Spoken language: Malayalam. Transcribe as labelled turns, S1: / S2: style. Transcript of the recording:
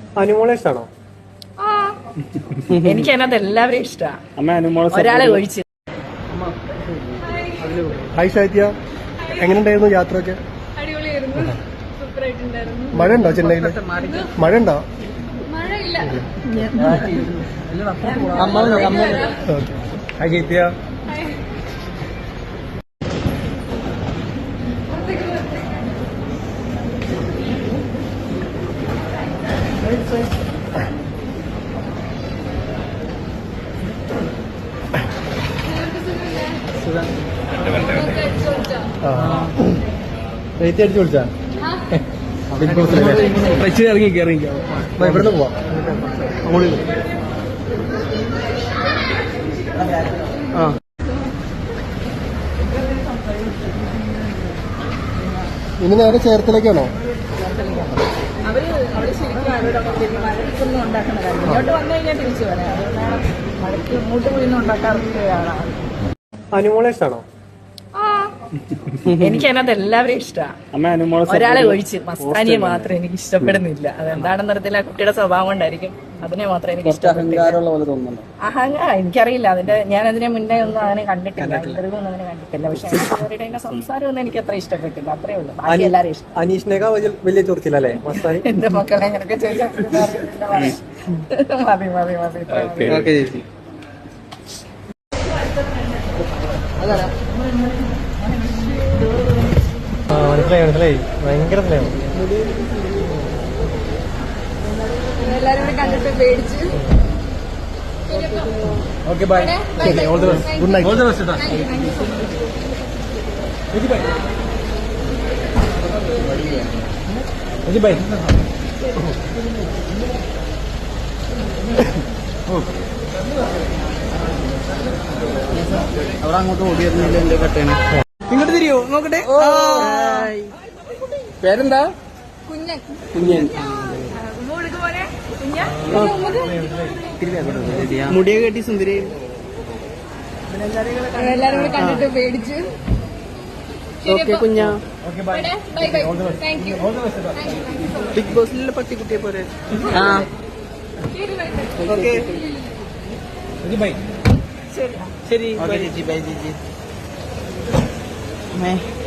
S1: അനുമോളെ ഇഷ്ടാണോ?
S2: എനിക്ക് അതിനകത്ത് എല്ലാവരെയും ഇഷ്ടമാണ്, ഒരാളെ ഒഴിച്ച്.
S1: ഹായ് ശൈത്യ, എങ്ങനെയുണ്ടായിരുന്നു യാത്രയൊക്കെ? മഴ ഉണ്ടോ ചെന്നൈയില്? മഴ ഉണ്ടോ? ഹായ് ശൈത്യ. അടിച്ചു വിളിച്ചാ ഇവിടുന്ന് പോവാം. ഇനി നേരെ ചേർത്തലേക്കാണോ?
S2: അവര് ശരിക്കും മഴയ്ക്കൊന്നും ഉണ്ടാക്കുന്ന കാര്യം ഇങ്ങോട്ട് വന്നു കഴിഞ്ഞാൽ തിരിച്ചു വരാം. അതുകൊണ്ടാണ് മഴയ്ക്ക് ഇങ്ങോട്ട് പോയി ഉണ്ടാക്കാറുള്ളതാണ്.
S1: അനുമോളെ ഇഷ്ടാണോ?
S2: എനിക്ക് അതിനകത്ത് എല്ലാവരെയും ഇഷ്ടമാണ്, ഒരാളെ ഒഴിച്ച്. മസ്താനിയെ മാത്രം എനിക്ക് ഇഷ്ടപ്പെടുന്നില്ല. അതെന്താണെന്ന് അറിയത്തില്ല, കുട്ടിയുടെ സ്വഭാവം കൊണ്ടായിരിക്കും. അതിനെ മാത്രം എനിക്ക് ഇഷ്ടപ്പെട്ടില്ല. അഹങ്കാരം എനിക്കറിയില്ല. ഞാൻ അതിനെ മുന്നേ ഒന്നും അങ്ങനെ കണ്ടിട്ടില്ല, ഇന്റർവ്യൂ ഒന്നും അങ്ങനെ കണ്ടിട്ടില്ല. പക്ഷെ അവരുടെ സംസാരം ഒന്നും എനിക്ക് അത്ര ഇഷ്ടപ്പെട്ടില്ല, അത്രേ ഉള്ളൂ. ബാക്കി എല്ലാവരും ഇഷ്ടം.
S1: അനീഷിനേക്കാ വലിയ ചോദിച്ചില്ലല്ലേ മസ്താനി?
S2: എന്റെ മക്കളെ അങ്ങനെയൊക്കെ ചോദിച്ചാൽ മതി മതി മതി.
S1: മനസ്സിലായി ഭയങ്കര സ്നേഹം.
S2: എല്ലാരും കൂടി കണ്ടിട്ട് പേടിച്ച്.
S1: Okay bye. All the best. Good night. All the best. Bye.
S3: അവിടെ അങ്ങോട്ട് ഓടി വരുന്നില്ല, എന്റെ കട്ടേണ്. ഇങ്ങോട്ട് തിരിയോ നോക്കട്ടെ. പേരെന്താ? കുഞ്ഞൻ. മുടിയൊക്കെ കെട്ടി സുന്ദരി.
S2: എല്ലാരും കൂടി കണ്ടിട്ട് പേടിച്ച്.
S3: ഓക്കെ കുഞ്ഞ. ബിഗ് ബോസിലുള്ള പട്ടിക്കുട്ടിയെ പോലെ. ഓക്കെ ശരി. ബൈ ചേച്ചി.